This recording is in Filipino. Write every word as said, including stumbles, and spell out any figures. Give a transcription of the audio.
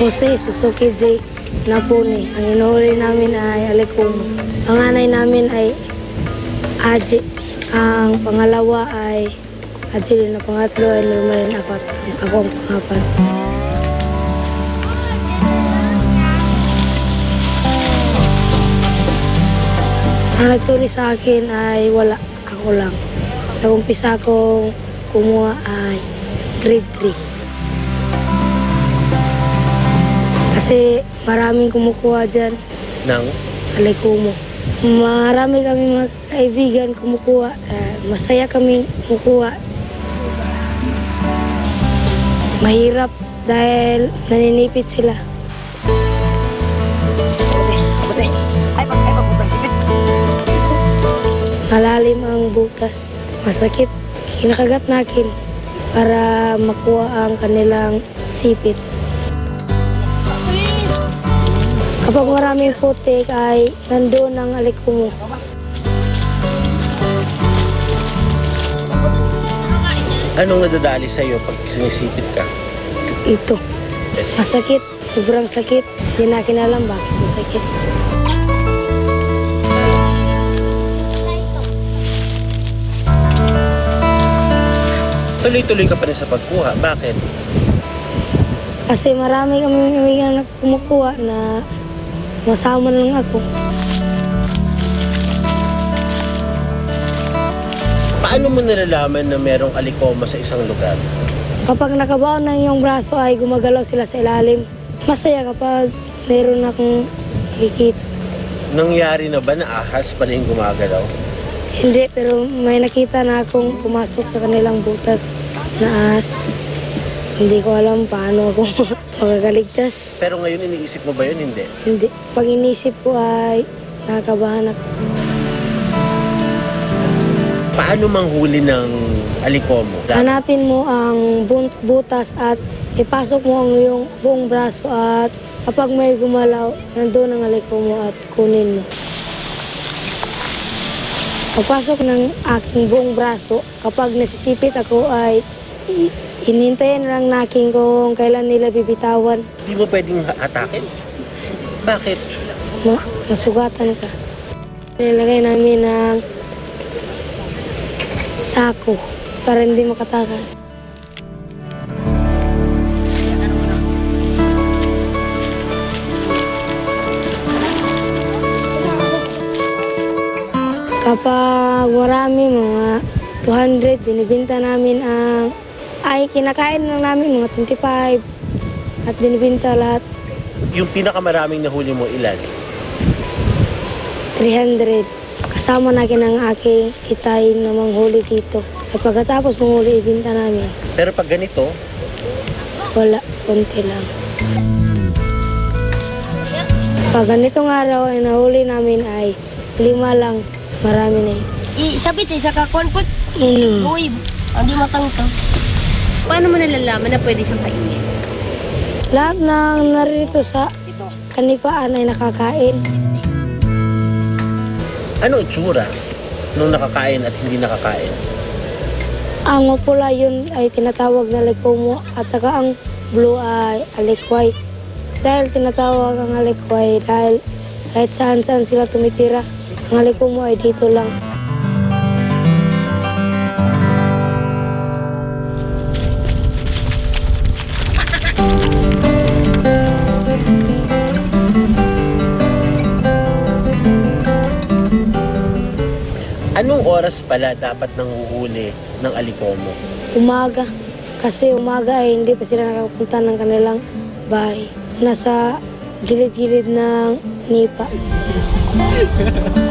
Jose Suzuki J. Napuni. Ang inuhuli namin ay Alikumo. Ang anay namin ay Aji. Ang pangalawa ay Aji din. Ang pangatlo ay Norman Apat. Ako ang pangapat. Ang nagturi sa akin ay wala. Ako lang. Nag-umpisa akong kumuha ay grade three. Kasi maraming kumukuha dyan. Nang? Alikumo. Marami kami mga kaibigan kumukuha. Uh, masaya kami kumukuha. Mahirap dahil naninipit sila. Malalim ang butas. Masakit. Kinakagat nakin para makuha ang kanilang sipit. Kapag maraming putik ay nandoon ang alikumo. Anong nadadali sa'yo pag sinisipit ka? Ito. Masakit. Sobrang sakit. Hindi nakin alam bakit masakit. Tuloy-tuloy ka pa rin sa pagkuha. Bakit? Kasi marami kami kaibigan na kumukuha na sumasama lang ako. Paano mo nalalaman na merong alikoma sa isang lugar? Kapag nakabaon ng iyong braso ay gumagalaw sila sa ilalim. Masaya kapag meron akong nakikita. Nangyari na ba na ahas pala yung gumagalaw? Hindi, pero may nakita na akong pumasok sa kanilang butas na ahas. Hindi ko alam paano ako magagaligtas. Pero ngayon iniisip mo ba yun? Hindi. Hindi. Pag inisip ko ay nakakabahan ako. Paano manghuli ng alikomo? Hanapin mo ang bun- butas at ipasok mo ang iyong buong braso at kapag may gumalaw, nandun ang alikumo at kunin mo. Pagpasok ng aking buong braso, kapag nasisipit ako ay i- hinintayin lang nakin kung kailan nila bibitawan. Hindi mo pwedeng hatakin? Bakit? Ma- masugatan ka. Nilagay namin ng sako para hindi makatakas. Kapag marami, mga two hundred, binibinta namin ang, ay kinakain lang namin mga twenty-five at binibinta lahat Yung pinakamaraming nahuli mo ilan? three hundred. Kasama natin ang aking kitay na manghuli dito. At pagkatapos manghuli, ibinta namin. Pero pag ganito, Wala, konti lang. Pag ganitong araw ay nahuli namin ay lima lang. Marami na yun. Isabit sa isa ka konput. Ano? Uy, hindi matang to. Paano mo nalalaman na pwede siyang kainin? Lahat ng narito sa kanipaan ay nakakain. ano itsura nung nakakain at hindi nakakain? Ang mapula yun ay tinatawag na likomo at saka ang blue ay alikway. Dahil tinatawag ang alikway dahil kahit saan saan sila tumitira, ang alikumo ay dito lang. Anong oras pala dapat nanguhuli ng alikomo? Umaga. Kasi umaga ay hindi pa sila nakapunta ng kanilang bahay. Nasa gilid-gilid ng nipa.